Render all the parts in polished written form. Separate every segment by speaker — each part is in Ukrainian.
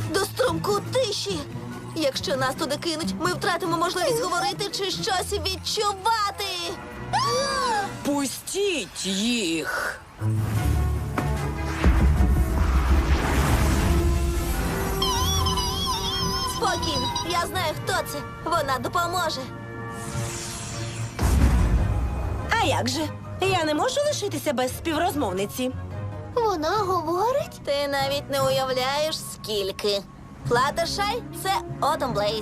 Speaker 1: до струмку тиші. Якщо нас туди кинуть, ми втратимо можливість говорити чи щось відчувати.
Speaker 2: Пустіть їх!
Speaker 1: Спокійно, я знаю, хто це. Вона допоможе.
Speaker 3: А як же? Я не можу лишитися без співрозмовниці.
Speaker 1: Вона говорить? Ти навіть не уявляєш, скільки. Флаттершай – це Autumn Blaze.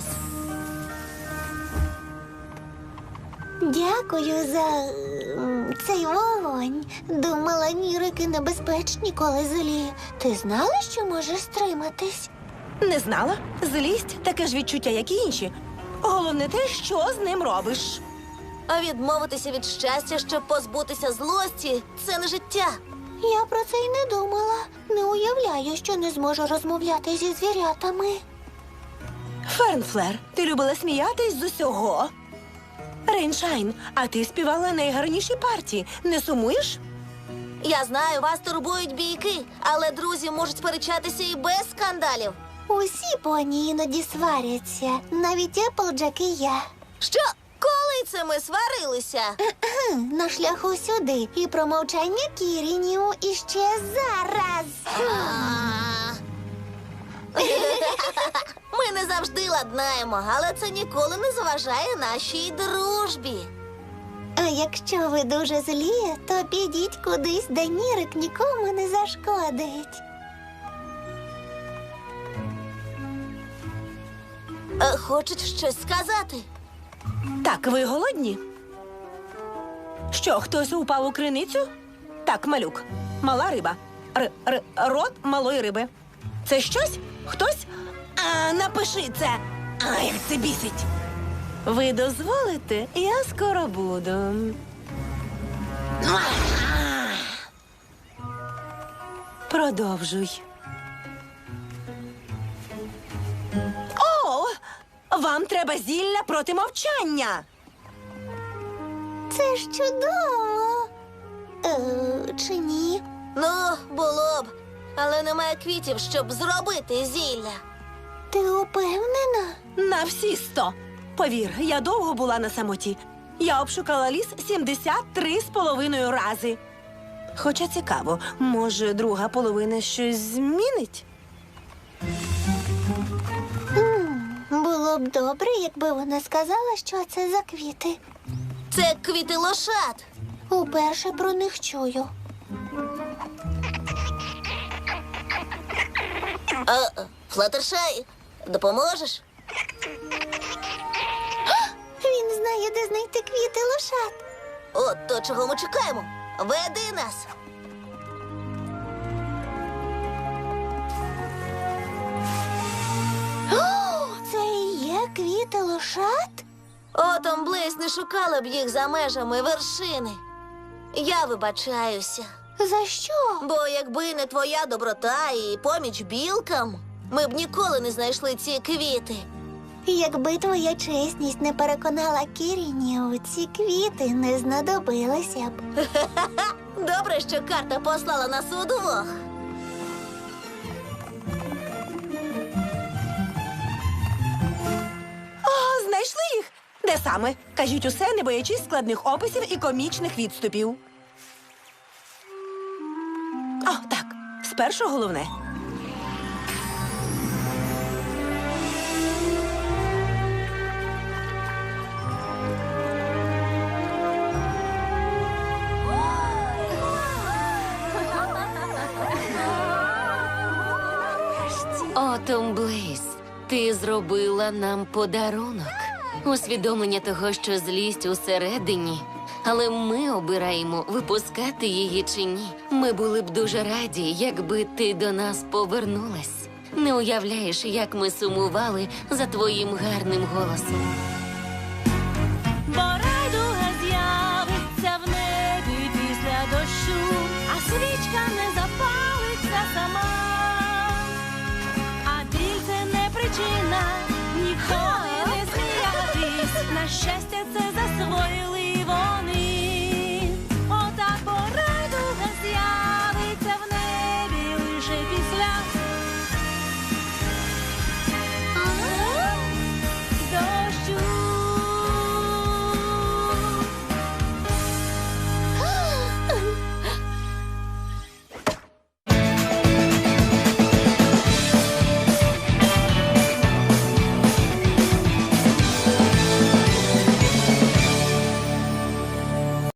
Speaker 4: Дякую за цей вогонь. Думала, нірики небезпечні, коли злі. Ти знала, що можеш стриматись?
Speaker 3: Не знала? Злість – таке ж відчуття, як і інші. Головне те, що з ним робиш.
Speaker 1: А відмовитися від щастя, щоб позбутися злості – це не життя.
Speaker 4: Я про це й не думала. Не уявляю, що не зможу розмовляти зі звірятами.
Speaker 3: Фернфлер, ти любила сміятись з усього. Рейншайн, а ти співала найгарніші партії. Не сумуєш?
Speaker 1: Я знаю, вас турбують бійки, але друзі можуть сперечатися і без скандалів.
Speaker 4: Усі поні іноді сваряться. Навіть Еплджек і я.
Speaker 1: Що? Коли це ми сварилися?
Speaker 4: На шляху сюди. І про мовчання Кірінів іще зараз.
Speaker 1: Ми не завжди ладнаємо, але це ніколи не заважає нашій дружбі.
Speaker 4: А якщо ви дуже злі, то підіть кудись, де нірик нікому не зашкодить.
Speaker 1: Хочуть щось сказати?
Speaker 3: Так, ви голодні? Що, хтось упав у криницю? Так, малюк. Мала риба. Рот малої риби. Це щось? Хтось? Напиши це. Як це бісить. Ви дозволите? Я скоро буду. Продовжуй. О! Вам треба зілля проти мовчання.
Speaker 4: Це ж чудово. Чи ні?
Speaker 1: Ну, було б. Але немає квітів, щоб зробити зілля.
Speaker 4: Ти упевнена?
Speaker 3: На всі 100. Повір, я довго була на самоті. Я обшукала ліс 73,5 рази. Хоча цікаво, може, друга половина щось змінить?
Speaker 4: Було б добре, якби вона сказала, що це за квіти.
Speaker 1: Це квіти лошад.
Speaker 4: Уперше про них чую.
Speaker 1: Флаттершай, допоможеш?
Speaker 4: Він знає, де знайти квіти лошад.
Speaker 1: От то, чого ми чекаємо. Веди нас.
Speaker 4: Це і є квіти лошад?
Speaker 1: Autumn Blaze не шукала б їх за межами вершини. Я вибачаюся.
Speaker 4: За що?
Speaker 1: Бо якби не твоя доброта і поміч білкам, ми б ніколи не знайшли ці квіти.
Speaker 4: Якби твоя чесність не переконала Кірінів, ці квіти не знадобилися б.
Speaker 1: Добре, що карта послала нас удвох.
Speaker 3: О, знайшли їх? Де саме? Кажіть усе, не боячись складних описів і комічних відступів. О, так. Спершу головне.
Speaker 5: Autumn Blaze, ти зробила нам подарунок. Усвідомлення того, що злість усередині. Але ми обираємо, випускати її чи ні. Ми були б дуже раді, якби ти до нас повернулась. Не уявляєш, як ми сумували за твоїм гарним голосом.
Speaker 6: Бо райдуга з'явиться в небі після дощу, а свічка не запалиться сама. А біль – це не причина ніколи не сміятись. На щастя, це засвоїли вони. Отак бо райдуга з'явиться в небі лише після